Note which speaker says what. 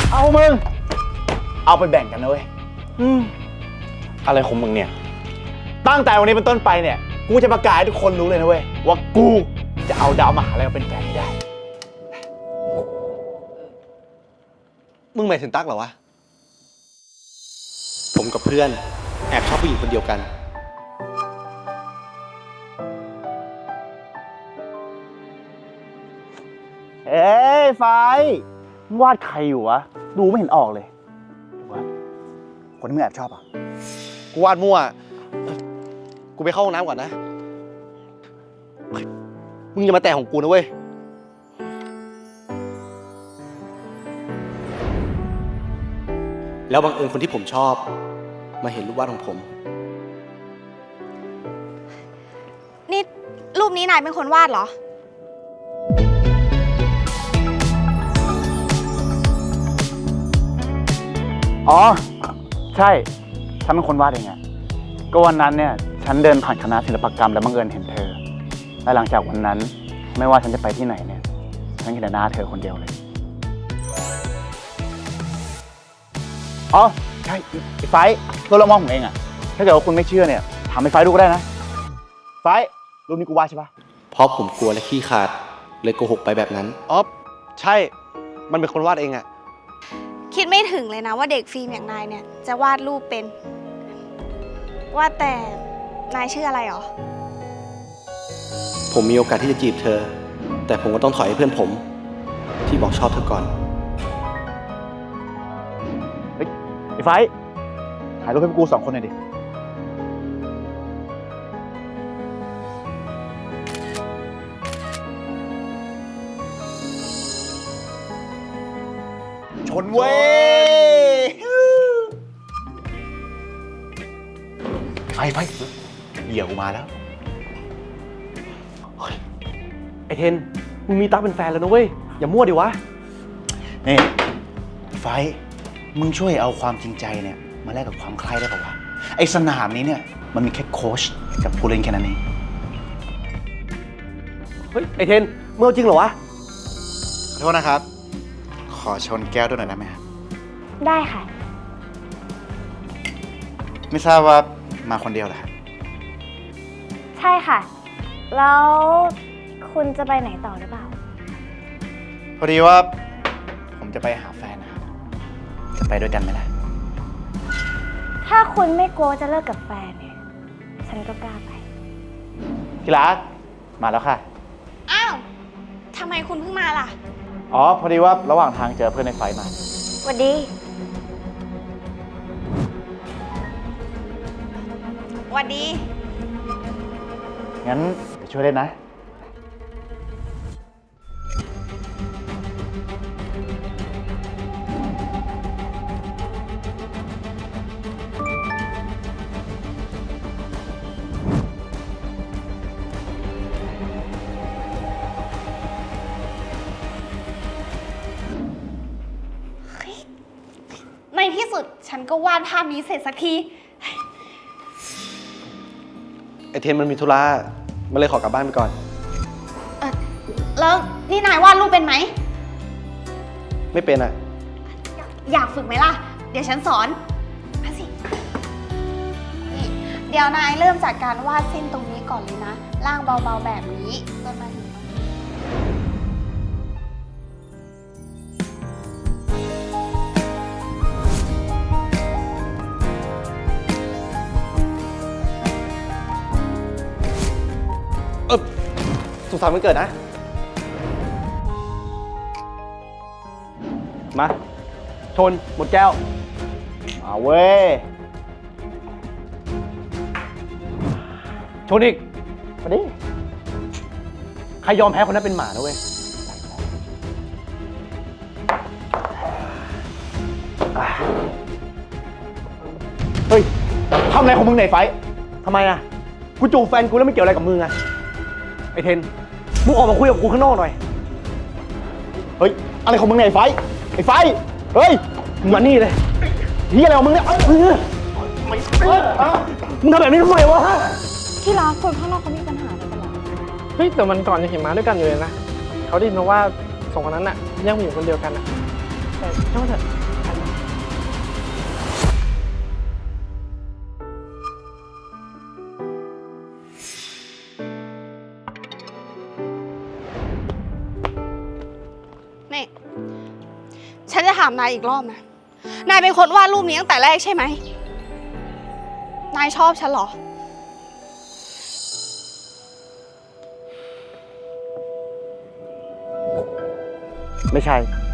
Speaker 1: เอามึงเอาไปแบ่งกันนะเว้ย
Speaker 2: อะไรของมึงเนี่ย
Speaker 1: ตั้งแต่วันนี้เป็นต้นไปเนี่ยกูจะประกาศให้ทุกคนรู้เลยนะเว้ยว่ากูจะเอาดาวมหาลัยมาเป็นแฟนให้ได้
Speaker 2: มึงหมายถึงตั๊กเหรอวะผมกับเพื่อนแอบชอบผู้หญิงคนเดียวกัน
Speaker 1: เอ้ยไฟวาดใครอยู่วะดูไม่เห็นออกเลยว่าคนที่มึงแอบชอบอ่ะ
Speaker 2: กูวาดมั่วกูไปเข้าห้องน้ำก่อนนะมึงอย่ามาแตะของกูนะเว้ยแล้วบังเอิญคนที่ผมชอบมาเห็นรูปวาดของผม
Speaker 3: นี่รูปนี้นายเป็นคนวาดเหรอ
Speaker 1: อ๋อใช่ฉันเป็นคนวาดเองอะก็วันนั้นเนี่ยฉันเดินผ่านคณะศิลปกรรมแล้วบังเอิญเห็นเธอและหลังจากวันนั้นไม่ว่าฉันจะไปที่ไหนเนี่ยฉันเห็นแต่หน้าเธอคนเดียวเลยอ๋อใช่ไอ้ไฟตัวละมองผมเองอะถ้าเกิดว่าคุณไม่เชื่อเนี่ยถามไอ้ไฟดูก็ได้นะไฟรูปนี้กูวาดใช่ปะ
Speaker 2: เพราะผมกลัวและขี้ขาดเลยโกหกไปแบบนั้นอ๋อใช่มันเป็นคนวาดเองอะ
Speaker 3: คิดไม่ถึงเลยนะว่าเด็กฟิล์มอย่างนายเนี่ยจะวาดรูปเป็นว่าแต่นายชื่ออะไรหรอ
Speaker 2: ผมมีโอกาสที่จะจีบเธอแต่ผมก็ต้องถอยให้เพื่อนผมที่บอกชอบเธอก่อน
Speaker 1: เฮ้ยไอ้ไฟถ่ายรูปให้พวกกู2 คนหน่อยดิชนเว้ยไฟเหยี่ยวมาแล้ว
Speaker 2: ไอเทนมึงมีตั๊กเป็นแฟนแล้วนะเว้ยอย่ามั่วดิวะ
Speaker 1: นี่ไฟมึงช่วยเอาความจริงใจเนี่ยมาแลกกับความใคร่ได้ป่าวะไอสนามนี้เนี่ยมันมีแค่โค้ชกับผู้เล่นแค่นั้นเอง
Speaker 2: เฮ้ยไอเทนมึงเอาจริงเหรอวะ
Speaker 1: ขอโทษนะครับขอชนแก้วด้วยหน่อยได้ไหมครับ
Speaker 3: ได้ค่ะ
Speaker 1: ไม่ทราบว่ามาคนเดียวเหรอครับ
Speaker 3: ใช่ค่ะแล้วคุณจะไปไหนต่อหรือเปล่า
Speaker 1: พอดีว่าผมจะไปหาแฟนนะครับจะไปด้วยกันไหมล่ะ
Speaker 3: ถ้าคุณไม่กลัวจะเลิกกับแฟนเนี่ยฉันก็กล้าไป
Speaker 1: ที่รักมาแล้วค่ะ
Speaker 3: อ้าวทำไมคุณเพิ่งมาล่ะ
Speaker 1: อ๋อพอดีว่าระหว่างทางเจอเพื่อนในไฟมา
Speaker 3: สวัสดีสวัสดี
Speaker 1: งั้นไปช่วยเล่นนะ
Speaker 3: ในที่สุดฉันก็วาดภาพนี้เสร็จสักที
Speaker 2: ไอเทนมันมีธุระมันเลยขอกลับบ้านไปก่อน
Speaker 3: แล้วนี่นายวาดรูปเป็นไหม
Speaker 2: ไม่เป็นอะ
Speaker 3: อยากฝึกไหมล่ะเดี๋ยวฉันสอนมาสินี่เดี๋ยวนายเริ่มจากการวาดเส้นตรงนี้ก่อนเลยนะล่างเบาๆแบบนี้จนมาถึง
Speaker 2: สุขสันต์วันเกิดนะมาชนหมดแก้ว
Speaker 1: มาเว้ย
Speaker 2: ชนอีก
Speaker 1: มาดิ
Speaker 2: ใครยอมแพ้คนนั้นเป็นหมานะเว้ย
Speaker 1: เฮ้ยทำอะไรของมึงไหนไฟ
Speaker 2: ทำไมอะกูจูบแฟนกูแล้วไม่เกี่ยวอะไรกับมึงอะไอเทนมึงออกมาคุยกับกูข้างนอกหน่อย
Speaker 1: เฮ้ยอะไรของมึงเนี่ยไอ้ไฟเฮ้ย
Speaker 2: มึงมานี่เลย
Speaker 1: เฮียอะไรของมึงเนี่ยมึงทำแบบนี้ทำไมวะ
Speaker 3: ที่ร้านคนข้างนอกเขามีปัญหาอะไรกันหรอ
Speaker 4: เฮ้ยแต่มันก่อนยังเห็นมาด้วยกันอยู่เลยนะเขาได้ยินมาว่าสองคนนั้นน่ะยังมีอยู่คนเดียวกันน่ะ
Speaker 2: แต่ช่างมันเถอะ
Speaker 3: นี่ ฉันจะถามนายอีกรอบนะ นายเป็นคนวาดรูปนี้ตั้งแต่แรกใช่ไหม นายชอบฉันเหรอ
Speaker 1: ไม่ใช่